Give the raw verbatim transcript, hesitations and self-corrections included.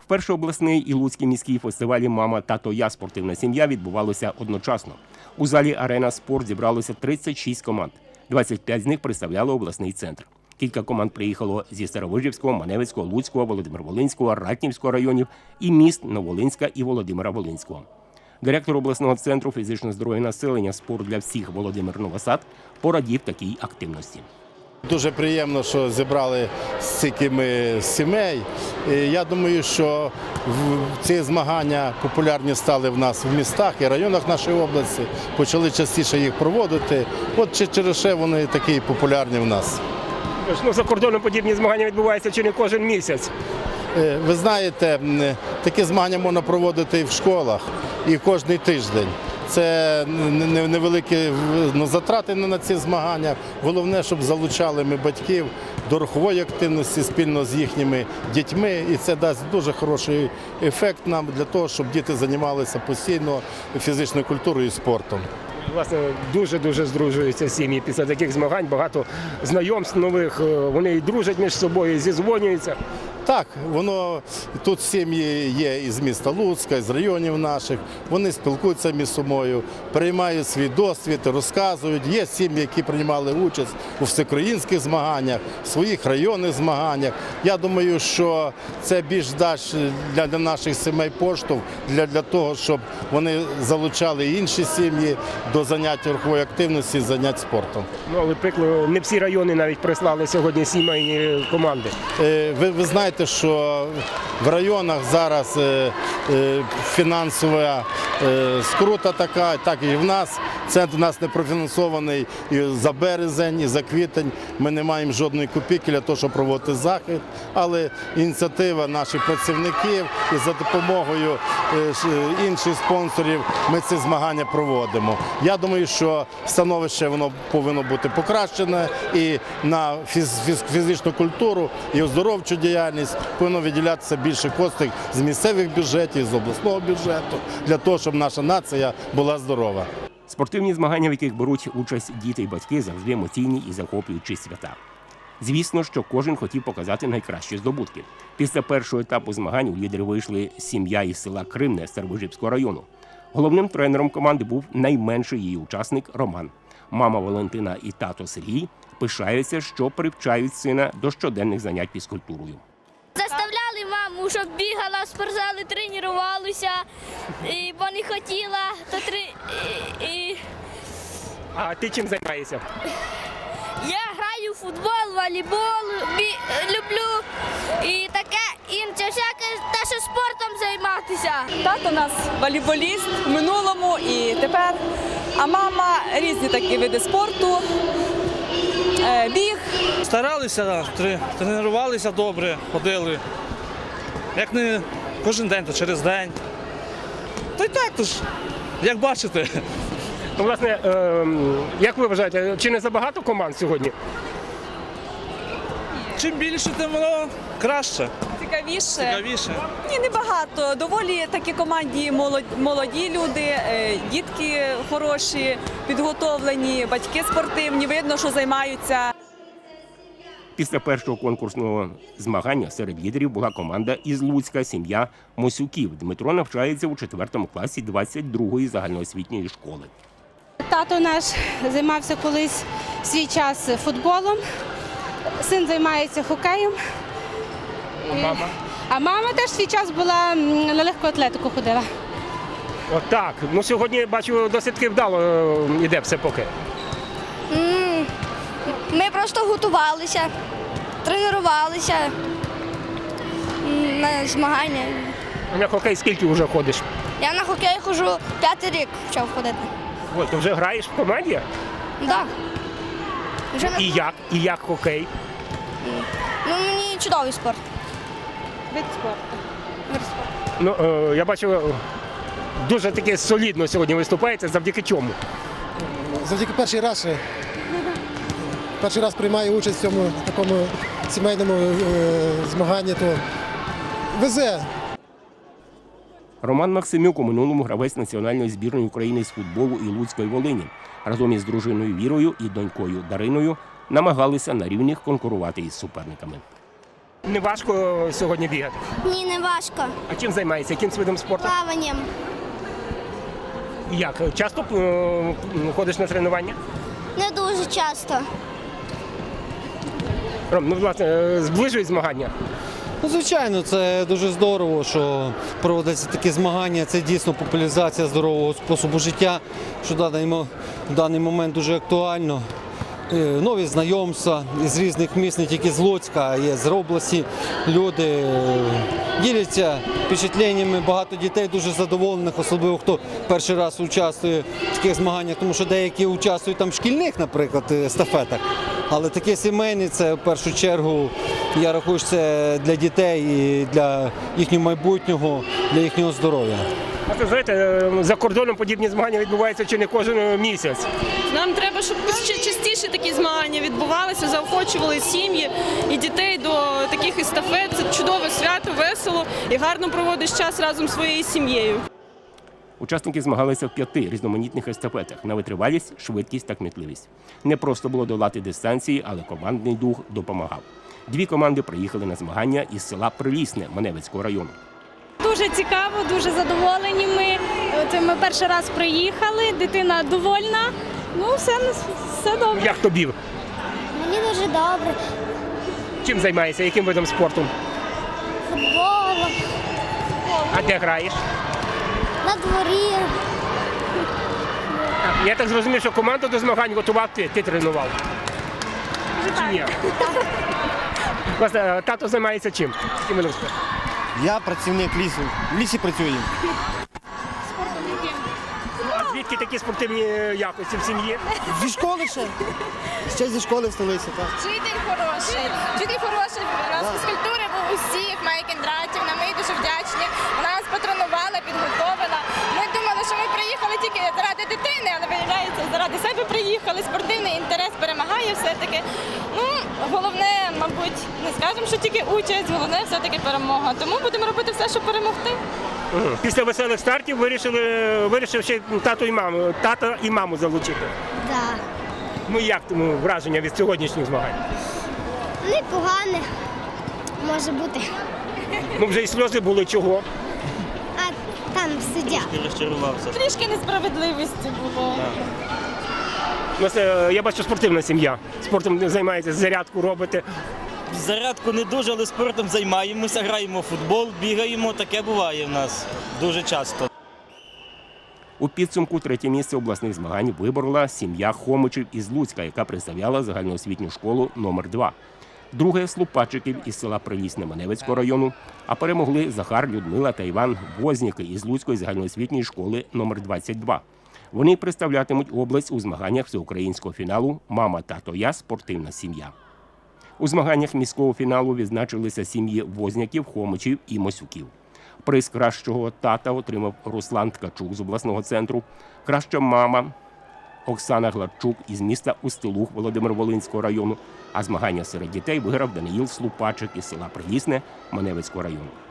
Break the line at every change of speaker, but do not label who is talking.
Вперше обласний і Луцький міський фестивалі «Мама, тато, я. Спортивна сім'я» відбувалося одночасно. У залі «Арена Спорт» зібралося тридцять шість команд. двадцять п'ять з них представляли обласний центр. Кілька команд приїхало зі Старовижівського, Маневицького, Луцького, Володимир-Волинського, Ратнівського районів і міст Новолинська і Володимира-Волинського. Директор обласного центру фізичного здоров'я населення «Спорт для всіх» Володимир Новосад порадів такій активності.
Дуже приємно, що зібрали стільки ми сімей. І я думаю, що ці змагання популярні стали в нас в містах і районах нашої області. Почали частіше їх проводити. От через що вони такі популярні в нас.
Ну, за кордоном подібні змагання відбуваються чи не кожен місяць.
Ви знаєте, такі змагання можна проводити і в школах, і кожен тиждень. Це невеликі затрати на ці змагання. Головне, щоб залучали ми батьків до рухової активності спільно з їхніми дітьми. І це дасть дуже хороший ефект нам для того, щоб діти займалися постійно фізичною культурою і спортом.
Власне, дуже-дуже здружуються сім'ї після таких змагань. Багато знайомств нових, вони і дружать між собою, і зізвонюються.
Так, воно тут сім'ї є із міста Луцька, з районів наших. Вони спілкуються між собою, приймають свій досвід, розказують. Є сім'ї, які приймали участь у всеукраїнських змаганнях, в своїх районних змаганнях. Я думаю, що це більш дасть для, для наших сімей поштовх, для, для того, щоб вони залучали інші сім'ї до занять рухової активності, занять спортом.
Ну, але приклад, не всі райони навіть прислали сьогодні сімейні команди.
Ви, ви знаєте, що в районах зараз фінансова скрута така, так і в нас. Центр у нас не профінансований і за березень, і за квітень. Ми не маємо жодної копійки для того, щоб проводити захід. Але ініціатива наших працівників і за допомогою інших спонсорів ми ці змагання проводимо. Я думаю, що становище воно повинно бути покращене і на фізичну культуру, і оздоровчу діяльність повинно виділятися більше коштів з місцевих бюджетів, з обласного бюджету, для того, щоб наша нація була здорова.
Спортивні змагання, в яких беруть участь діти і батьки, завжди емоційні і захоплюючі свята. Звісно, що кожен хотів показати найкращі здобутки. Після першого етапу змагань у лідери вийшли сім'я із села Кримне Старовижівського району. Головним тренером команди був найменший її учасник Роман. Мама Валентина і тато Сергій пишаються, що привчають сина до щоденних занять фізкультурою.
Заставляли маму, щоб бігала в спортзалі, тренувалася, і, бо не хотіла. То три... і, і...
А ти чим займаєшся?
Я граю в футбол, волейбол, бі... люблю і таке інше, всяке те, що спортом займатися.
Тато у нас волейболіст в минулому і тепер, а мама різні такі види спорту, біг.
Старалися, тренувалися добре, ходили. Як не кожен день, то через день. Та й так, то ж, як бачите.
Ну, власне, як ви вважаєте, чи не забагато команд сьогодні?
Чим більше, тим воно краще.
Цікавіше?
Цікавіше.
Ні, небагато. Доволі такі команді молоді люди, дітки хороші, підготовлені, батьки спортивні, видно, що займаються.
Після першого конкурсного змагання серед лідерів була команда із Луцька, сім'я Мосюків. Дмитро навчається у четвертому класі двадцять другої загальноосвітньої школи.
Тато наш займався колись в свій час футболом, син займається хокеєм.
А мама?
А мама теж в свій час була на легку атлетику ходила.
Отак. Ну, сьогодні, бачу, досить таки вдало йде все поки.
Ми просто готувалися, тренувалися на змагання.
На хокей скільки вже ходиш?
Я на хокей ходжу п'ятий рік почав ходити.
Ой, ти вже граєш в команді?
Так. Вже на...
І як? І як хокей?
Ну, мені чудовий спорт.
Вид спорту.
Вид спорту.
Ну, е, я бачу, дуже таки солідно сьогодні виступається. Завдяки чому?
Завдяки перший раз. Перший раз приймаю участь в цьому такому сімейному е, змаганні, то везе.
Роман Максимюк у минулому гравець національної збірної України з футболу і Луцької Волині. Разом із дружиною Вірою і донькою Дариною намагалися на рівних конкурувати із суперниками.
Не важко сьогодні бігати.
Ні, не важко.
А чим займаєшся? Яким видом спорту?
Плаванням.
Як? Часто е, ходиш на тренування?
Не дуже часто.
Ром, ну, власне, е, зближують змагання.
Ну, звичайно, це дуже здорово, що проводяться такі змагання. Це дійсно популяризація здорового способу життя, що в даний, мо- в даний момент дуже актуально. Е, Нові знайомства з різних міст, не тільки з Луцька, а є з області. Люди е, діляться впечатленнями. Багато дітей дуже задоволених, особливо хто перший раз участвує в таких змаганнях, тому що деякі участвують там в шкільних, наприклад, естафетах. Але такі сімейні, це в першу чергу, я рахую, що це для дітей і для їхнього майбутнього, для їхнього здоров'я.
А то, знаєте, е, за кордоном подібні змагання відбуваються чи не кожен місяць.
Нам треба, щоб ще частіше такі змагання відбувалися, заохочували сім'ї і дітей до таких естафет. Це чудове свято, весело і гарно проводиш час разом зі своєю сім'єю.
Учасники змагалися в п'яти різноманітних естафетах на витривалість, швидкість та кмітливість. Не просто було долати дистанції, але командний дух допомагав. Дві команди приїхали на змагання із села Прилісне Маневицького району.
Дуже цікаво, дуже задоволені ми. От ми перший раз приїхали, дитина довольна. Ну, все, все добре.
Як тобі?
Мені дуже добре.
Чим займаєшся? Яким видом спорту?
Футболом,
А де граєш?
на дворі.
Я так зрозумів, що команду до змагань готував ти, ти тренував. Чи ні? Власне, тато займається чим? Яким видом спорту?
Я працівник лісу. В лісі працюю.
А звідки такі спортивні якості в сім'ї?
Зі школи ще. Ще зі школи в столиці, так.
Вчитель хороший, вчитель хороший, у нас фізкультури був усіх, Майя Кіндратівна, ми їй дуже вдячні. Вона нас патронувала, підготовила. Ми думали, що ми приїхали тільки заради дитини, але виявляється, заради себе приїхали. Спортивний інтерес перемагає все-таки. Ну, головне, мабуть, не скажемо, що тільки участь, головне все-таки перемога. Тому будемо робити все, щоб перемогти.
Мгм. Після веселих стартів вирішили, вирішив ще тату і маму, тата і маму залучити.
Так.
Ну як тому враження від сьогоднішніх змагань?
Непогане може бути.
Ну вже і сльози були чого.
А там сидять.
Трішки несправедливості було.
Власне, я бачу, спортивна сім'я. Спортом займається, зарядку робите.
Зарядку не дуже, але спортом займаємося, граємо в футбол, бігаємо, таке буває в нас дуже часто.
У підсумку третє місце обласних змагань виборола сім'я Хомичів із Луцька, яка представляла загальноосвітню школу номер два. Друге – Слупачиків із села Прилісне Маневицького району, а перемогли Захар, Людмила та Іван Возніки із Луцької загальноосвітньої школи номер двадцять два. Вони представлятимуть область у змаганнях всеукраїнського фіналу «Мама, тато, я. Спортивна сім'я». У змаганнях міського фіналу відзначилися сім'ї Возняків, Хомичів і Мосюків. Приз кращого тата отримав Руслан Ткачук з обласного центру, краща мама Оксана Гладчук із міста Устилух Володимир-Волинського району, а змагання серед дітей виграв Даниїл Слупачик із села Прилісне Маневицького району.